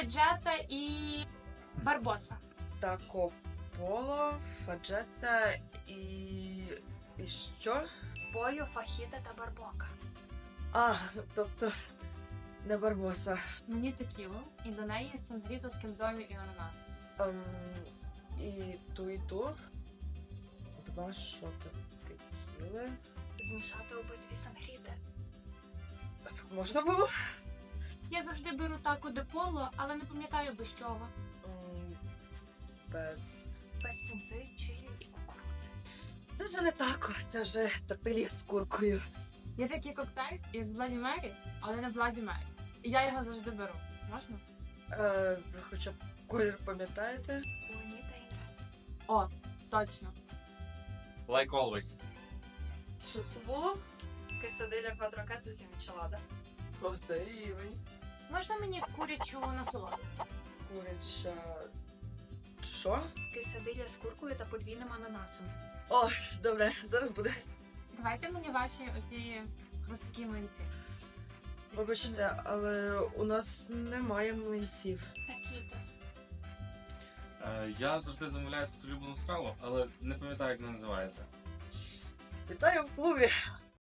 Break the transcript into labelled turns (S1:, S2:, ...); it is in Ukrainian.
S1: фаджета і барбоса.
S2: Тако поло, фаджета і... І що?
S1: Бою, фахіта та барбока.
S2: А, тобто не барбоса.
S1: Мені текілу, і до неї сангріту з кінзою і ананас.
S2: І ту. Два шоти текіли.
S1: Змішати обидві сангріти.
S2: Можна було?
S1: Я завжди беру тако де поло, але не пам'ятаю без чого.
S2: Без...
S1: Без кінзи, чилі і кукурудзи.
S2: Це вже не тако, це вже тортилі з куркою.
S1: Є такий коктейль, як Бладі Мері, але не Бладі Мері. І я його завжди беру. Можна?
S2: Ви хоча б колір пам'ятаєте?
S1: Леоніда і Ред. О, точно.
S3: Like always.
S2: Що це було?
S1: Quesadilla quattro cases і мічелада.
S2: Оце рівень.
S1: Можна мені курячу насолоду?
S2: Куряча... Що?
S1: Quesadilla з куркою та подвійним ананасом.
S2: О, добре, зараз буде.
S1: Давайте мені ваші оті хрусткі млинці.
S2: Вибачте, але у нас немає млинців.
S1: Такітос.
S3: Я завжди замовляю тут улюблену страву, але не пам'ятаю, як вона називається.
S2: Вітаю в клубі!